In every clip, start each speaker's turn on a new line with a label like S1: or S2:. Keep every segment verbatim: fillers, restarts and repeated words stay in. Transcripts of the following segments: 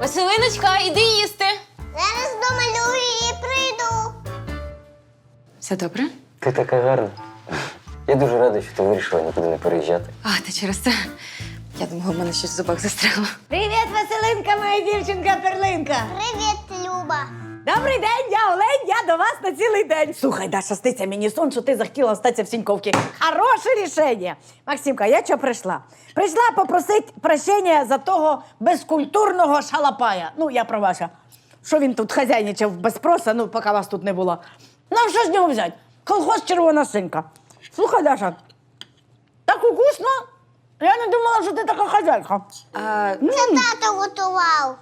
S1: Василиночка, іди їсти.
S2: Зараз домалюю і прийду.
S1: Все добре?
S3: Ти така гарна. Я дуже радий, що ти вирішила нікуди не переїжджати.
S1: А, ти через це. Я думала, в мене щось в зубах застряло.
S4: Привіт, Василинка, моя дівчинка-перлинка.
S2: Привіт, Люба.
S4: Добрий день, я Олень, я до вас на цілий день. Слухай, Даша, сниться мені сон, що ти захотіла остатися в Сіньковці. Хороше рішення. Максимка, я чого прийшла? Прийшла попросити прощення за того безкультурного шалапая. Ну, я про ваша. Що він тут хазяйничав без спроса, ну, поки вас тут не було. Ну, що з нього взяти? Колхоз червона синька. Слухай, Даша, так вкусно. Я не думала, що ти така хазяйка.
S1: А,
S2: Це тато готував.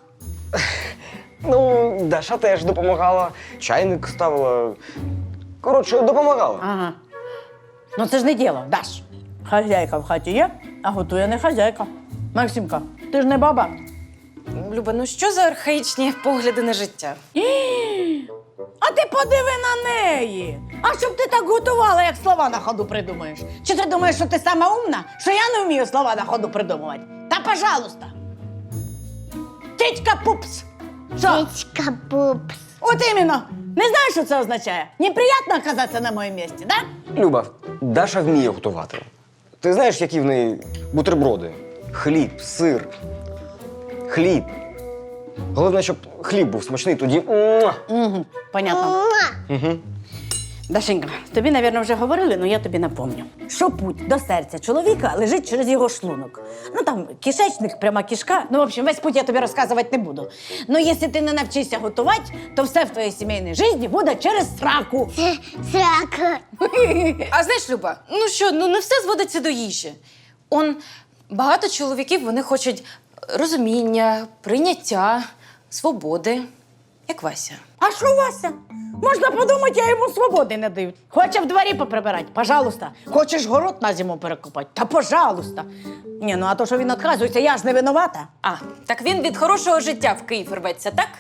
S3: Ну, Даша теж допомагала, чайник ставила. Коротше, допомагала.
S4: Ага. Ну це ж не діло, Даш. Хазяйка в хаті є, а готує не хазяйка. Максимка, ти ж не баба.
S1: Люба, ну що за архаїчні погляди на життя?
S4: А ти подиви на неї. А щоб ти так готувала, як слова на ходу придумаєш? Чи ти думаєш, що ти сама умна, що я не вмію слова на ходу придумувати? Та пожалуйста. Тітька пупс. Що?
S2: Тічка пупс.
S4: От іменно. Не знаєш, що це означає? Неприємно оказатися на моєму місці, да?
S3: Люба, Даша вміє готувати. Ти знаєш, які в неї бутерброди? Хліб, сир. Хліб. Головне, щоб хліб був смачний, тоді. Муа!
S4: Угу, понятно.
S2: Муа.
S3: Угу.
S4: Дашенька, тобі, напевно, вже говорили, але я тобі напомню. Що путь до серця чоловіка лежить через його шлунок. Ну там кишечник, пряма кишка. Ну, в общем, весь путь я тобі розказувати не буду. Ну, якщо ти не навчишся готувати, то все в твоїй сімейній житті буде через сраку.
S2: Срака.
S1: А знаєш, Люба, ну що, ну не все зводиться до їжі. Он багато чоловіків, вони хочуть розуміння, прийняття, свободи, як Вася.
S4: А що, Вася? Можна подумати, я йому свободи не даю. Хоче в дворі поприбирати? Пожалуйста. Хочеш город на зиму перекопати? Та пожалуйста. Ні, ну а то, що він відказується, я ж не винувата.
S1: А, так він від хорошого життя в Київ рветься, так?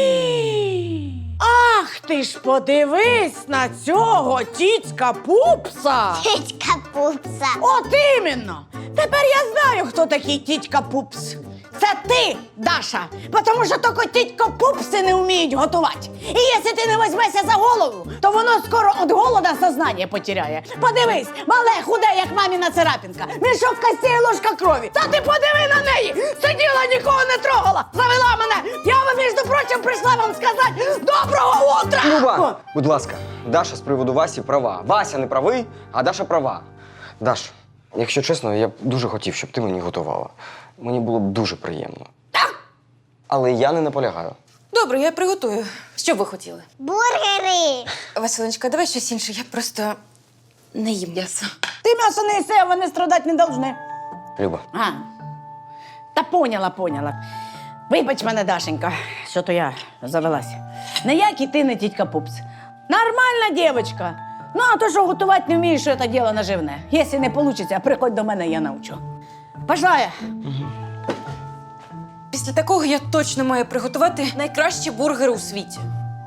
S4: Ах, ти ж подивись на цього тітька пупса!
S2: Тічка пупса.
S4: От іменно! Тепер я знаю, хто такий тітька пупс. Це ти, Даша, тому що тільки тітька пупси не вміють готувати. І якщо ти не візьмешся за голову, то воно скоро від голода сознання потеряє. Подивись, мале, худе, як маміна царапінка, мішок костей і ложка крові. Та ти подиви на неї! Сиділа, нікого не трогала, завела мене. Я вам, між прочим, прийшла вам сказати доброго утра!
S3: Люба, будь ласка, Даша з приводу Васі права. Вася не правий, а Даша права. Даш, якщо чесно, я б дуже хотів, щоб ти мені готувала. Мені було б дуже приємно. Але я не наполягаю.
S1: Добре, я приготую. Що б ви хотіли?
S2: Бургери.
S1: Василиночка, давай щось інше, я просто не їм м'ясо.
S4: Ти м'ясо не їси, а вони страдати не повинні.
S3: Люба,
S4: А, та поняла, поняла. Вибач мене, Дашенька, що то я завелась. Ніякий ти не тітька пупс. Нормальна дівчинка. Ну, а то, що готувати не вмієш, що це діло наживне. Якщо не вийде, приходь до мене, я навчу. Пішла я.
S1: Після такого я точно маю приготувати найкращі бургери у світі.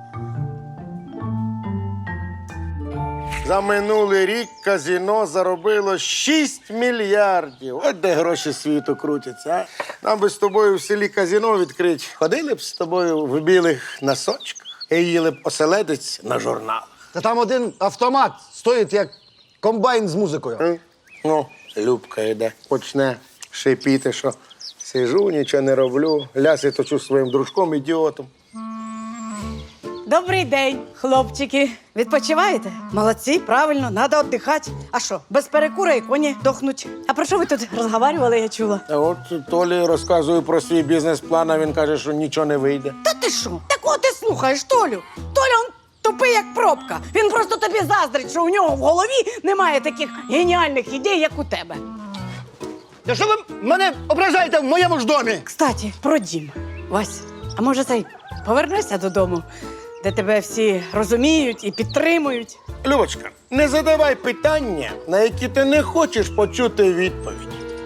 S5: За минулий рік казино заробило шість мільярдів. От де гроші світу крутяться, а? Нам би з тобою в селі казино відкрити. Ходили б з тобою в білих носочках і їли б оселедець на журналах.
S6: Та там один автомат стоїть як комбайн з музикою.
S5: М? Ну, Любка йде, почне шипіти, що сижу, нічого не роблю, ляси точу своїм дружком-ідіотом.
S4: Добрий день, хлопчики. Відпочиваєте? Молодці, правильно, треба віддихати. А що, без перекура і коні дохнуть. А про що ви тут розговорювали, я чула?
S5: А от Толі розказую про свій бізнес-план, а він каже, що нічого не вийде.
S4: Та ти що? Так от ти слухаєш, Толю. Толя, он тупий, як пробка. Він просто тобі заздрить, що у нього в голові немає таких геніальних ідей, як у тебе.
S6: Та що ви мене ображаєте в моєму ж домі?
S4: Кстати, про дім. Вась, а може цей повернешся додому, де тебе всі розуміють і підтримують?
S5: Любочка, не задавай питання, на які ти не хочеш почути відповідь.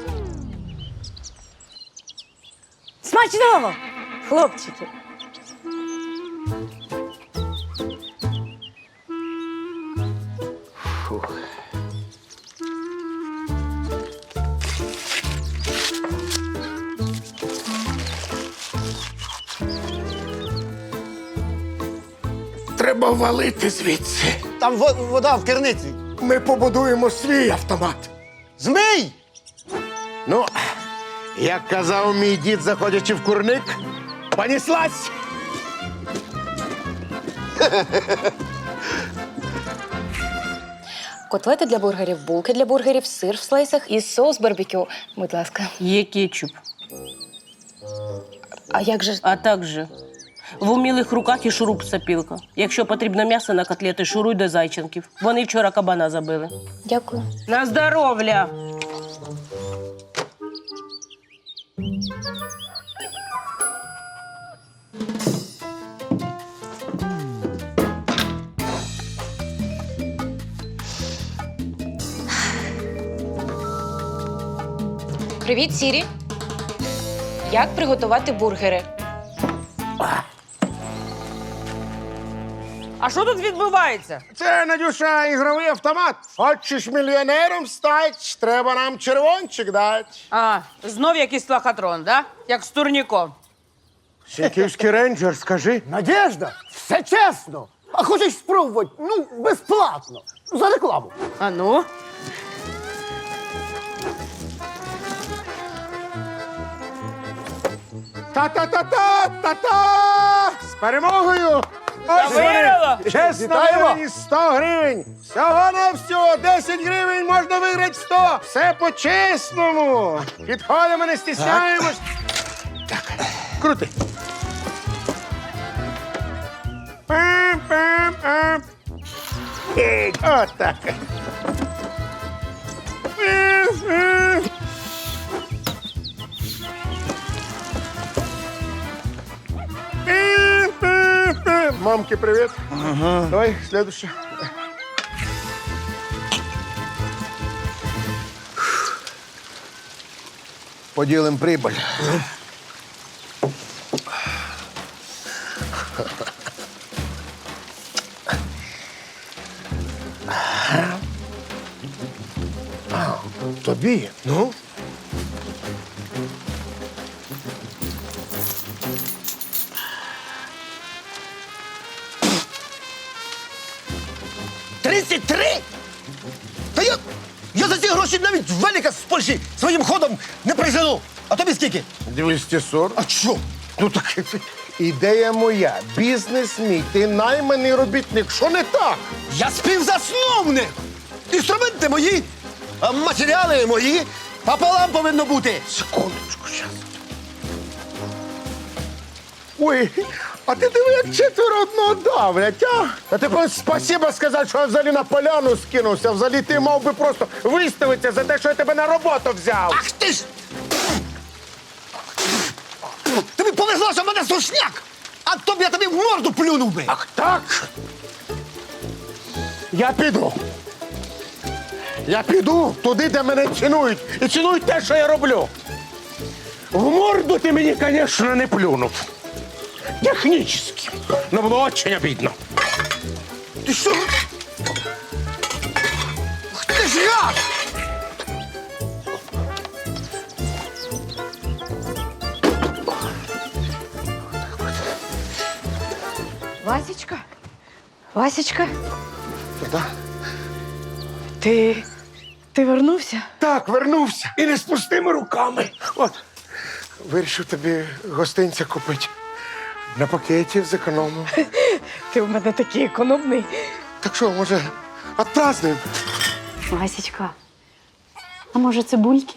S4: Смачного, хлопчики!
S5: Треба валити звідси.
S6: Там во- вода в керниці.
S5: Ми побудуємо свій автомат.
S6: Змій!
S5: Ну, як казав мій дід, заходячи в курник, поніслась.
S1: Котлети для бургерів, булки для бургерів, сир в слайсах і соус барбекю. Будь ласка.
S7: Є кетчуп.
S1: А як же?
S7: А також в умілих руках і шуруп-сапілка. Якщо потрібно м'ясо на котлети, шуруй до зайченків. Вони вчора кабана забили.
S1: Дякую.
S7: На здоров'я!
S1: Привіт, Сірі. Як приготувати бургери?
S7: А що тут відбувається?
S5: Це, Надюша, ігровий автомат. Хочеш мільйонером стать, треба нам червончик дати.
S7: А, знов якийсь лохотрон, да? Як з турніком.
S5: Сіньківський рейнджер, скажи.
S6: Надежда, все чесно. А хочеш спробувати? Ну, безплатно. За рекламу.
S7: А ну?
S5: Та-та-та-та-та-та! З перемогою! Ось
S7: виграла!
S5: вони! Чесно
S6: Вітаємо!
S5: виграні сто гривень! Всього на всього десять гривень можна виграти сто! Все по-чесному! Підходимо, не стісняємось! Так, крути! Пам-пам-пам! Ей, отак! Пам-пам! Мамке привет. Ага. Давай, следующее.
S6: Поділимо прибыль.
S5: Тобі? Ну?
S6: тридцять три? Та я, я за ці гроші навіть велика з Польщі своїм ходом не прижену. А тобі скільки?
S5: двісті сорок.
S6: А що?
S5: Ну так ідея моя. Бізнес мій. Ти найманий робітник. Що не так?
S6: Я співзасновник! Інструменти мої, а матеріали мої. Пополам повинно бути.
S5: Секундочку, зараз. Ой, а ти диви, як четверо одного давлять, а? А ти повинен спасибо сказати, що я взагалі на поляну скинувся. Взагалі ти мав би просто виставитися за те, що я тебе на роботу взяв.
S6: Ах ти ж! Тобі повезло, що в мене сушняк! А то б я тобі в морду плюнув би!
S5: Ах так? Я піду. Я піду туди, де мене цінують. І цінують те, що я роблю. В морду ти мені, звісно, не плюнув. Технічно. Но було дуже обідно.
S6: Ти що? Ах ти ж гад!
S4: Васечка? Васечка?
S5: Да?
S4: Ти. Ти вернувся?
S5: Так, вернувся. І не з пустими руками. От, вирішив тобі гостинця купити. На пакеті зекономив.
S4: Ти в мене такий економний.
S5: Так що, може, отпразднуємо?
S8: Васечка, а може цибульки?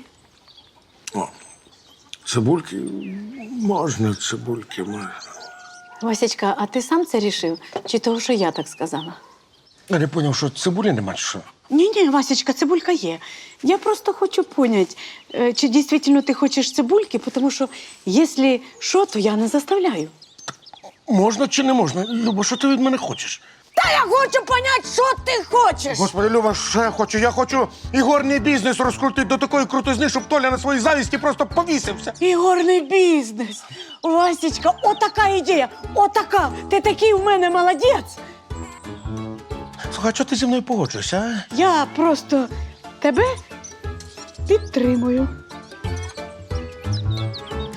S5: Цибульки? Можна цибульки, можна.
S8: Васечка, а ти сам це рішив? Чи того, що я так сказала?
S5: Я не зрозумів, що цибулі нема, чи що?
S8: Ні-ні, Васечка, цибулька є. Я просто хочу поняти, е, чи дійсно ти хочеш цибульки, тому що, якщо що, то я не заставляю.
S5: Можна чи не можна? Люба, що ти від мене хочеш?
S4: Та я хочу поняти, що ти хочеш.
S5: Господи, Люба, що я хочу? Я хочу ігорний бізнес розкрутити до такої крутизни, щоб Толя на своїй завісті просто повісився.
S8: Ігорний бізнес. Васечка, отака ідея, отака. Ти такий у мене молодець.
S5: Слухай, а чого ти зі мною погоджуєшся, а?
S8: Я просто тебе підтримую.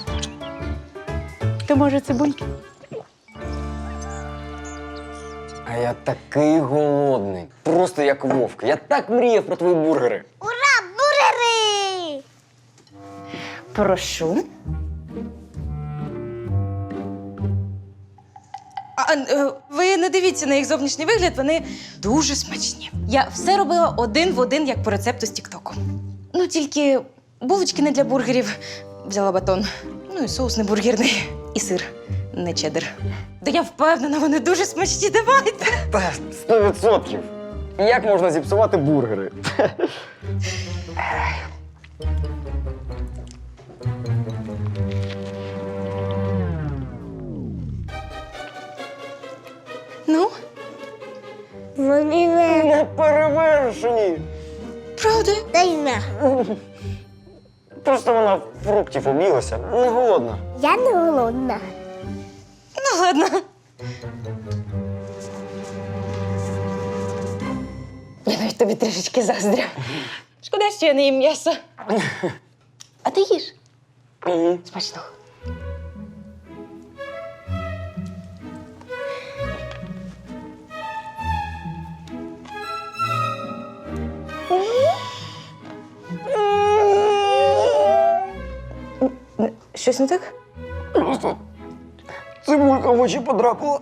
S8: То може цибульки?
S3: А я такий голодний. Просто як вовк. Я так мріяв про твої бургери.
S2: Ура, бургери!
S1: Прошу. А, е, ви не дивіться на їх зовнішній вигляд, вони дуже смачні. Я все робила один в один, як по рецепту з Тіктоку. Ну, тільки булочки не для бургерів, взяла батон. Ну і соус не бургерний, і сир не чеддер. Та я впевнена, вони дуже смачні, давайте.
S3: Та сто відсотків. Як можна зіпсувати бургери?
S1: Ну,
S2: Вони не...
S3: Не перевершені.
S1: правда?
S2: Дай на.
S3: Просто вона фруктів об'їлася. Не голодна.
S2: Я не голодна.
S1: Ну, ладно. Я навіть тобі трішечки заздрю. Шкода, що я не їм м'ясо. А ти їж?
S3: Угу.
S1: Смачного. Щось не так?
S3: Просто цибулька в очі подрапала.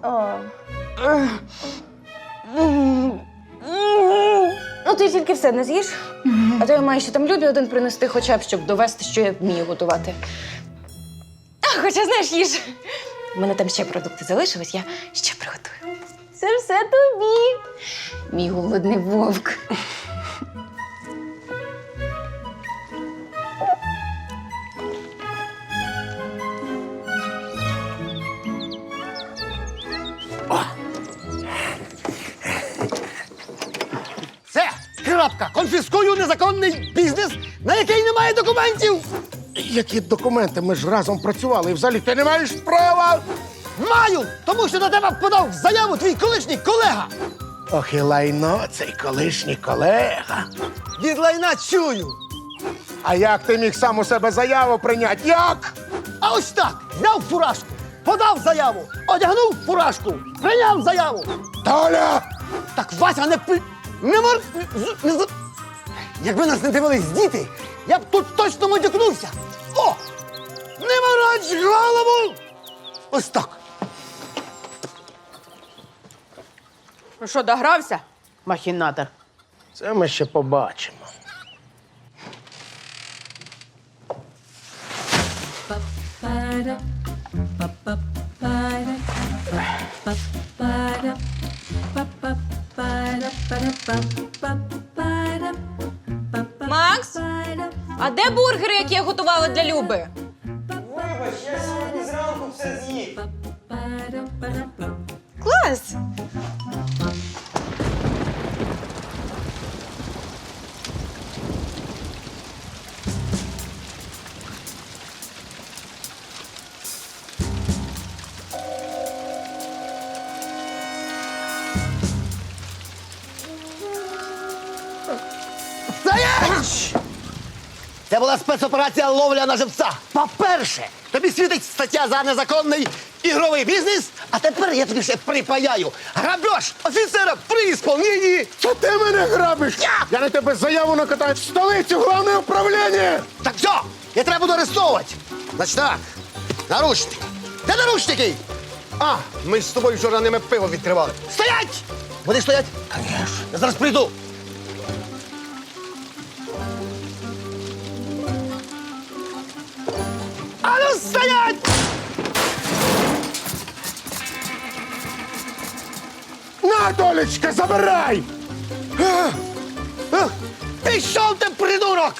S1: Ну, ти тільки все не з'їш, а то я маю ще там Любі один принести, хоча б, щоб довести, що я вмію готувати. А, хоча, знаєш, їж. У мене там ще продукти залишились, я ще приготую. Це все тобі, мій голодний вовк.
S6: Все, крапка. Конфіскую незаконний бізнес, на який немає документів.
S5: Які документи? Ми ж разом працювали, і взагалі ти не маєш права.
S6: Маю, тому що на тебе подав заяву твій колишній колега.
S5: Ох, і лайно, цей колишній колега.
S6: Від лайна чую.
S5: А як ти міг сам у себе заяву прийняти? Як?
S6: А ось так, зняв фуражку, подав заяву, одягнув фуражку, прийняв заяву.
S5: Толя!
S6: Так Вася не пи... Не мор... з- Не... з- Якби нас не дивились діти, я б тут точно матюкнувся. О! Не мороч голову! Ось так.
S8: Ну що, догрався, махінатор?
S5: Це ми ще побачимо.
S1: Макс, а де бургери, які я готувала для Люби?
S3: Вибач, я сьогодні зранку все з'їв.
S1: Клас!
S6: Стоять! Це була спецоперація ловля на живця. По-перше, тобі світить стаття за незаконний ігровий бізнес, а тепер я тобі ще припаяю. Грабеж офіцера при ісполненні.
S5: Це ти мене грабиш!
S6: Я!
S5: Я на тебе заяву накатаю в столицю, головне управління!
S6: Так все, я треба буду арестовувати. Значить так, наручники. Де наручники? А, ми ж з тобою вчора ними пиво відкривали. Стоять! Вони стоять? Конечно. Я зараз прийду. А ну стоять!
S5: На, Толечка, забирай!
S6: А, а, Пішов ти, придурок!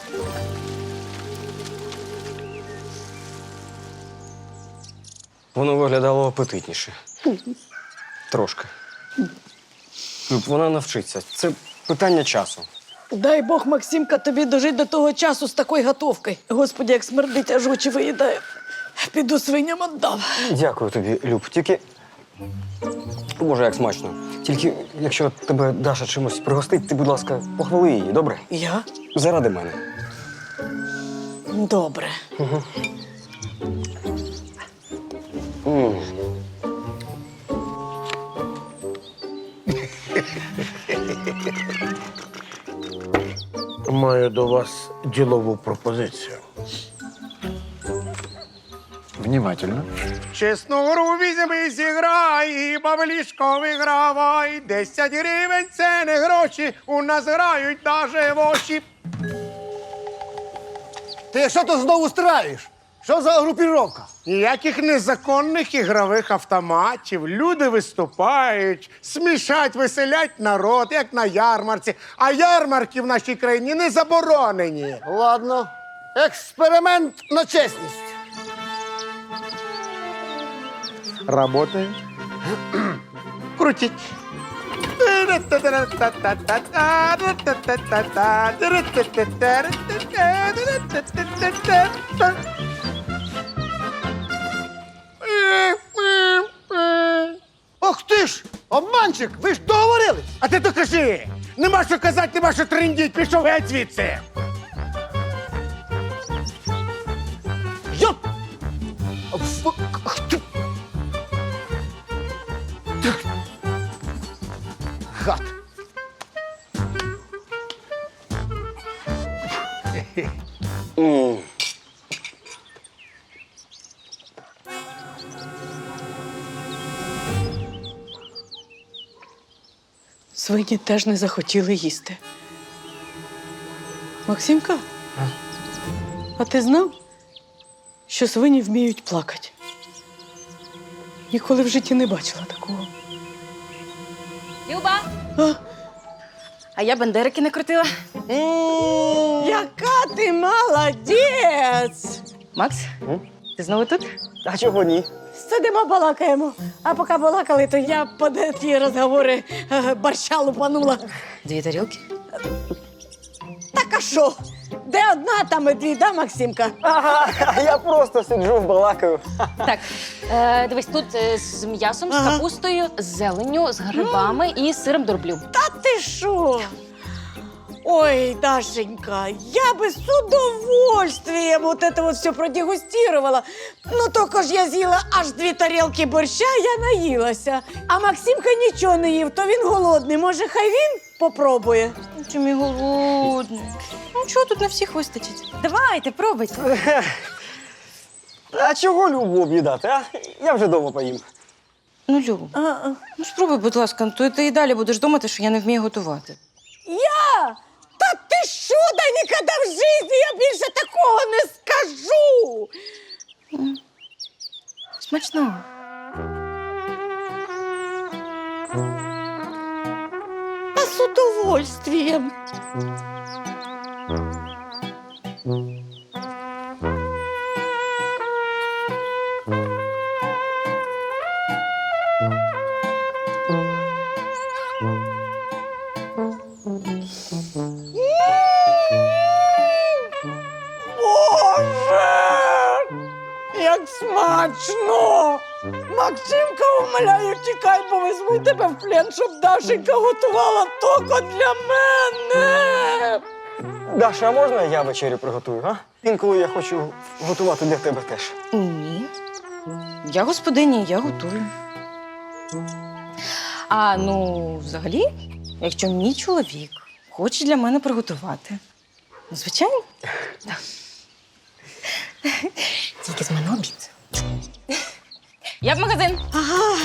S3: Воно виглядало апетитніше. Трошки. Люб, вона навчиться. Це питання часу.
S8: Дай Бог, Максимка, тобі дожити до того часу з такою готовкою. Господи, як смердить, аж очі виїдає. Піду свиням віддам.
S3: Дякую тобі, Люб. Тільки. Боже, як смачно. Тільки, якщо тебе Даша чимось пригостить, ти, будь ласка, похвали її, добре?
S8: Я?
S3: Заради мене.
S8: Добре.
S3: М.
S5: Маю до вас ділову пропозицію.
S3: Внимательно.
S5: Чесну гру візьми, зіграй, і баблішко вигравай. Десять гривень – це не гроші, у нас грають даже воші.
S6: Ти що тут знову страєш? Що за групіровка?
S5: Ніяких незаконних ігрових автоматів. Люди виступають, смішать, веселять народ, як на ярмарці. А ярмарки в нашій країні не заборонені.
S6: Ладно. Експеримент на чесність.
S5: Работає. Крутіть.
S6: Ох ти ж, обманщик, ви ж договорились.
S5: А ти то кажи! Нема що казати, нема що трендіть, пішов геть звідси.
S6: Йоп! Фу- ах ти. Гад.
S8: Свині теж не захотіли їсти. Максимка, а ти знав, що свині вміють плакати? Ніколи в житті не бачила такого.
S1: Люба!
S8: А?
S1: А я бандерики не крутила.
S8: Яка ти молодець!
S1: Макс, ти знову тут?
S3: А чого ні?
S4: Сидимо, балакаємо. А поки балакали, то я під ті розговори е, борща лупанула.
S1: Дві тарілки.
S4: Так а що? Де одна, там і дві, да, Максимка?
S3: Ага, а я просто сиджу, балакаю.
S1: Так, е, дивись, тут е, з м'ясом, з
S4: Ага.
S1: капустою, з зеленню, з грибами і з сиром дроблю.
S4: Та ти що? Ой, Дашенька, я бы с удовольствием вот это вот все продегустировала. Ну, только ж я з'їла аж дві тарілки борща, я наїлася. А Максимка нічого не їв, то він голодний. Може, хай він попробує?
S1: Чому я голодний? Ну, чого тут на всіх вистачить? Давайте, пробуйте.
S3: А чого Любу об'їдати, а? Я вже вдома поїм.
S1: Ну, Люб,
S4: А, а.
S1: ну спробуй, будь ласка, то ти і далі будеш думати, що я не вмію готувати.
S4: Я? Та ти що, да ніколи в житті я більше такого не скажу.
S1: Смачно.
S4: А з удовольствием. Боже! Як смачно! Максимка, умоляю, тікай, бо візьму тебе в плен, щоб Дашенька готувала тільки для мене.
S3: Даша, а можна я вечерю приготую, а? Інколи я хочу готувати для тебе теж.
S1: Ні. Я господиня, я готую. А ну, взагалі, якщо мій чоловік хоче для мене приготувати, ну, звичайно. Так. Тільки з мене обід. Я в магазин.
S4: Ага.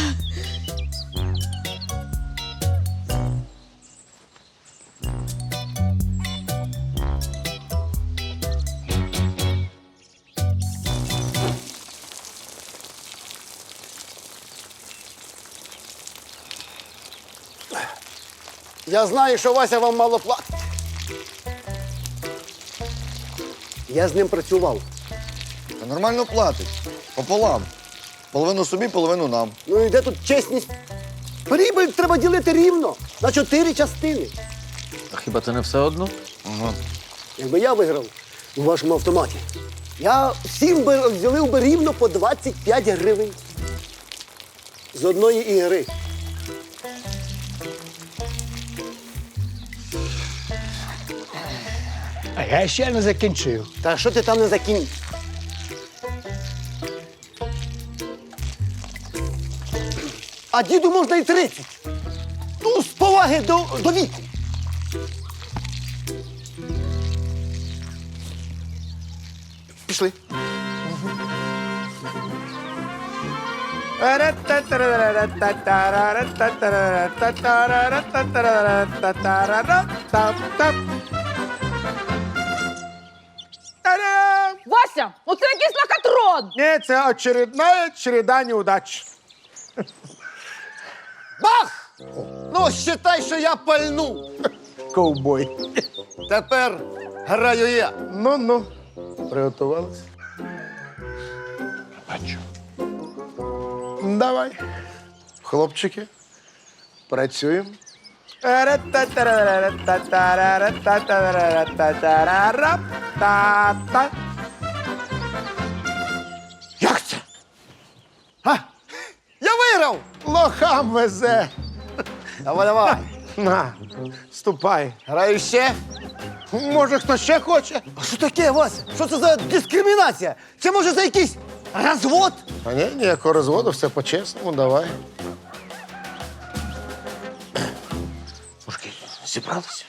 S6: Я знаю, що Вася вам мало платить. Я з ним працював.
S9: Та нормально платить. Пополам. Половину собі, половину нам.
S6: Ну і де тут чесність? Прибиль треба ділити рівно на чотири частини.
S9: А хіба це не все одно? Ага.
S6: Якби я виграв у вашому автоматі, я всім би розділив би рівно по двадцять п'ять гривень з одної ігри.
S10: А я ще не закінчив.
S6: Та що ти там не закінь? А діду можна і тридцять. Ну, з поваги до, до віку. Пішли.
S5: Та-дам!
S4: Вася, ну це якийсь лохотрон!
S5: Ні, це очередна череда неудач.
S6: Бах! Ну, считай, що я пальну.
S5: Ковбой.
S6: Тепер граю я.
S5: Ну-ну, приготувалися.
S9: Бачу.
S5: Давай. Хлопчики, працюємо. Та-та.
S6: Як це? А? Я виграв!
S5: Лохам везе.
S6: Давай, давай.
S5: На, ступай.
S6: Граю ще.
S5: Може, хто ще хоче?
S6: А що таке, Вася? Що це за дискримінація? Це може за якийсь розвод?
S5: А ні, ніякого розводу, все по-чесному, давай.
S6: Мужики, зібралися?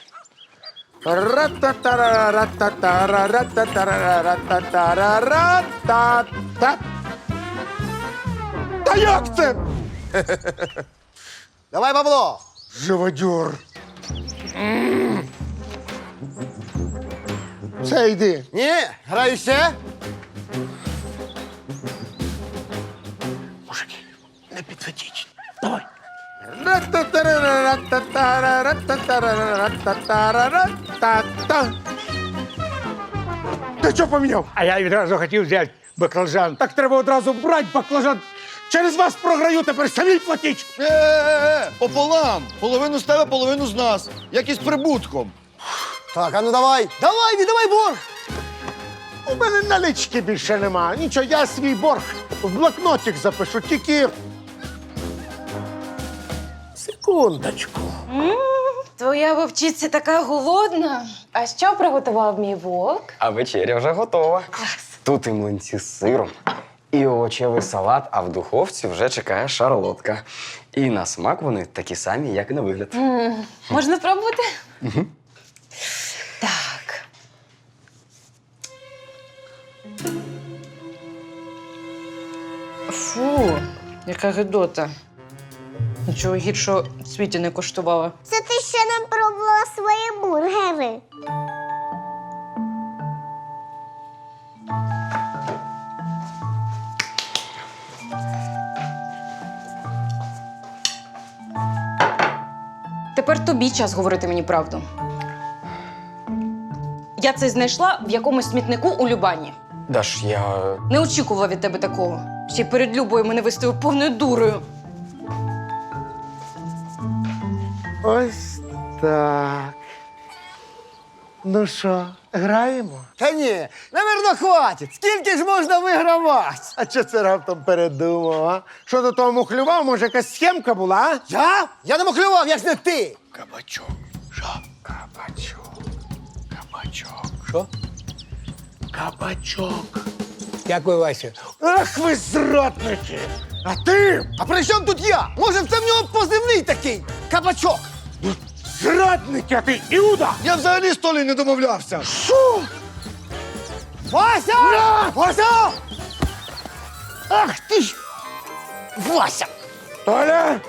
S5: Ра-та-та-ра-ра-та-та-ра-ра-та-та-ра-ра-та-та. Та як це?
S6: Давай, бабло!
S5: Живодюр. Все, йди.
S6: Ні, граю ще.
S5: Мужики,
S6: Не підведіть. Давай.
S5: Ра-та-та-ра-ра-та-та-ра-ра-та-та-ра-ра-та-та. Ти що поміняв?
S10: А я відразу хотів взяти баклажан.
S5: Так треба одразу брати баклажан. Через вас програю, тепер самі платіть.
S9: Е-е-е, пополам. Половину з тебе, половину з нас. Як із прибутком.
S6: Так, а ну давай. Давай, віддавай борг.
S5: У мене налички більше нема. Нічого, я свій борг в блокнотик запишу, тільки. Секундочку.
S1: Твоя вовчиця така голодна. А що приготував мій вовк?
S3: А вечеря вже готова.
S1: Клас.
S3: Тут і млинці з сиром, і овочевий салат, а в духовці вже чекає шарлотка. І на смак вони такі самі, як і на вигляд.
S1: М, Можна спробувати? Угу. Так. Фу, яка гидота. Нічого гіршого в світі не коштувала.
S2: Це ти ще не пробувала свої бургери.
S1: Тепер тобі час говорити мені правду. Я це знайшла в якомусь смітнику у Любані.
S3: Даш, я.
S1: Не очікувала від тебе такого. Ще й перед Любою мене виставив повною дурою.
S5: Ось так. Ну що, граємо?
S6: Та ні, наверно, хватить. Скільки ж можна вигравати?
S5: А що це раптом передумав, а? Що до того мухлював, може якась схемка була, а?
S6: Я? Я не махлював, як ж не ти.
S9: Кабачок. Що?
S5: Кабачок. Кабачок.
S10: Що?
S5: Кабачок.
S10: Дякую, Вася.
S5: Ах ви зрадники! А ти
S6: А при чому тут я? Може, це в нього позивний такий? Кабачок.
S5: зрадник, а ти Іуда!
S9: Я взагалі з Толі не домовлявся.
S5: Що?
S6: Вася! Вася! Ах ти ж! Вася!
S5: Толя!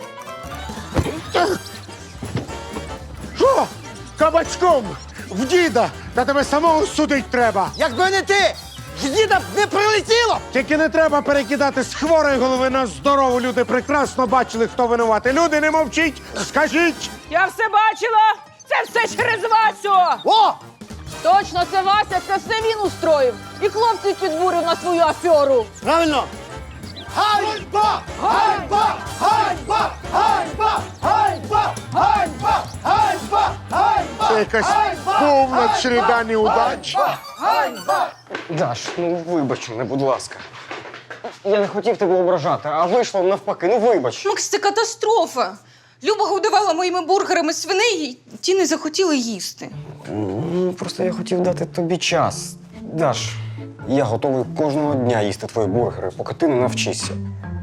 S5: Що? Кабачком! В діда! Та тебе самого судить треба!
S6: Якби не ти, з діда б не прилетіло!
S5: Тільки не треба перекидати з хворої голови на здорову. Люди прекрасно бачили, хто винуватий. Люди, не мовчіть! Скажіть!
S4: Я все бачила! Це все через Васю!
S6: О!
S4: Точно, це Вася, це все він устроїв. І хлопців підбурив на свою аферу.
S6: Правильно! Ганьба! Ганьба! Ганьба! Ганьба! Ганьба! Ганьба! Ганьба! Ганьба!
S5: Це якась повна череда неудач.
S6: Ганьба!
S3: Даш, ну вибач мене, будь ласка. Я не хотів тебе ображати, а вийшло навпаки. Ну вибач.
S1: Макс, це катастрофа. Люба годувала моїми бургерами свиней, і ті не захотіли їсти.
S3: Ну, просто я хотів дати тобі час. Даш, я готовий кожного дня їсти твої бургери, поки ти не навчишся.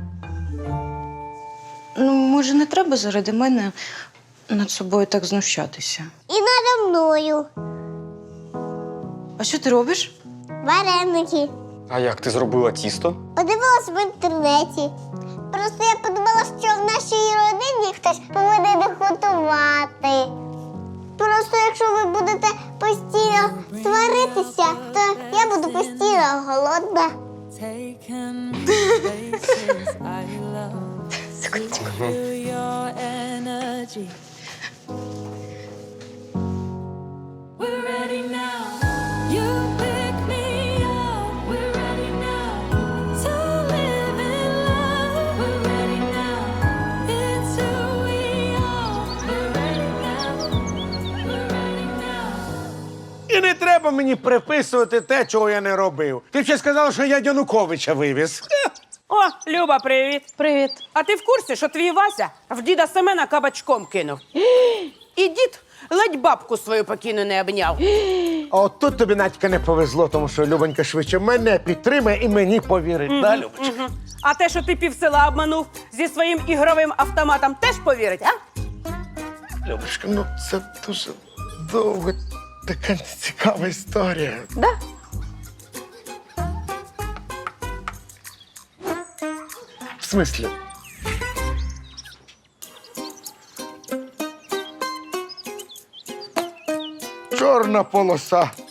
S1: Ну, може, не треба заради мене над собою так знущатися.
S2: І надо мною.
S1: А що ти робиш?
S2: вареники.
S3: А як ти зробила тісто?
S2: Подивилась в інтернеті. Просто я подумала, що в нашій родині хтось повинен готувати. Просто якщо ви будете постійно сваритися, то я буду постійно голодна.
S5: І не треба мені приписувати те, чого я не робив. Ти б ще сказала, що я Януковича вивіз.
S11: О, Люба, привіт.
S8: Привіт.
S11: А ти в курсі, що твій Вася в діда Семена кабачком кинув? І дід ледь бабку свою покійну не обняв.
S5: А от тут тобі, Надька, не повезло, тому що Любонька швидше мене підтримає і мені повірить. Да, Любочка?
S11: Мгм. А те, що ти півсела обманув зі своїм ігровим автоматом, теж повірить, а?
S5: Любочка, ну це дуже довга, така цікава історія.
S11: Да?
S5: В смислі? Чорна полоса